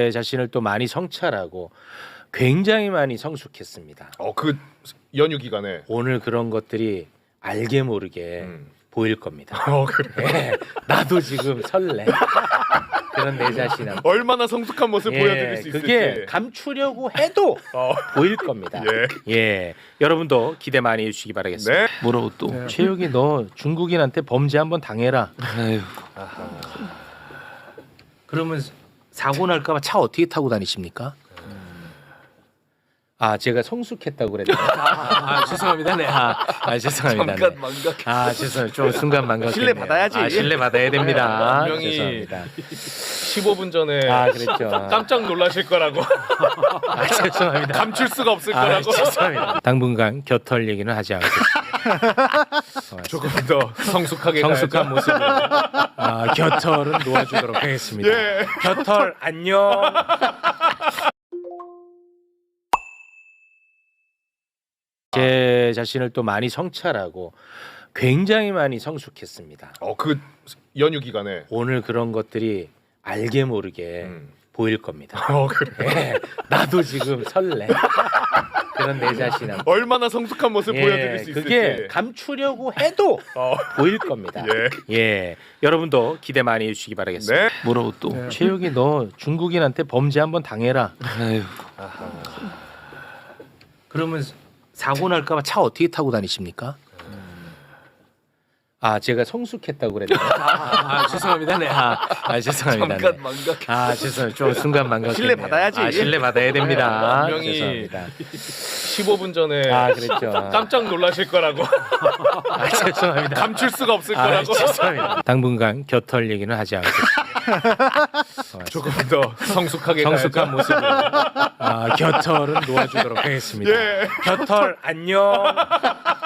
제 자신을 또 많이 성찰하고 굉장히 많이 성숙했습니다. 그 연휴 기간에. 오늘 그런 것들이 알게 모르게 보일 겁니다. 그래. 네, 나도 지금 설레. 그런 내 자신함. 얼마나 성숙한 모습 보여드릴 수 있을지. 그게 감추려고 해도 보일 겁니다. 예, 여러분도 기대 많이 해주시기 바라겠습니다. 네. 뭐라고 또? 최욱이 너 중국인한테 범죄 한번 당해라. 아유. 그러면 사고 날까봐 차 어떻게 타고 다니십니까? 제가 성숙했다고 그랬나요? 죄송합니다. 네. 죄송합니다. 잠깐 네. 망각. 죄송해요. 좀 순간 망각. 신뢰 받아야지. 신뢰 받아야 됩니다. 분명히 죄송합니다. 15분 전에 그랬죠. 깜짝 놀라실 거라고. 죄송합니다. 감출 수가 없을 거라고. 죄송합니다. 당분간 곁털 얘기는 하지 않겠습니다. 조금 더 성숙하게 성숙한 가야죠. 모습으로 곁털은 놓아주도록 하겠습니다. 예. 곁털 안녕. 제 자신을 또 많이 성찰하고 굉장히 많이 성숙했습니다. 그 연휴 기간에. 오늘 그런 것들이 알게 모르게 보일 겁니다. 그래. 네, 나도 지금 설레. 그런 내 자신함. 얼마나 성숙한 모습 보여드릴 수 있을지. 그게 감추려고 해도 보일 겁니다. 예, 여러분도 기대 많이 해주시기 바라겠습니다. 네. 뭐라고 또? 최욱이 너 중국인한테 범죄 한번 당해라. 아유. 그러면 사고 날까봐 차 어떻게 타고 다니십니까? 제가 성숙했다고 그랬나요? 죄송합니다. 네. 죄송합니다. 잠깐 네. 망각. 죄송해요. 좀 순간 망각. 신뢰 받아야지. 신뢰 받아야 됩니다. 분명히 죄송합니다. 15분 전에 그랬죠. 깜짝 놀라실 거라고. 죄송합니다. 감출 수가 없을 거라고. 죄송합니다. 당분간 곁털 얘기는 하지 않겠습니다. 조금 더 성숙하게 성숙한 가야죠. 모습으로 곁털은 놓아주도록 하겠습니다. 예. 곁털 안녕.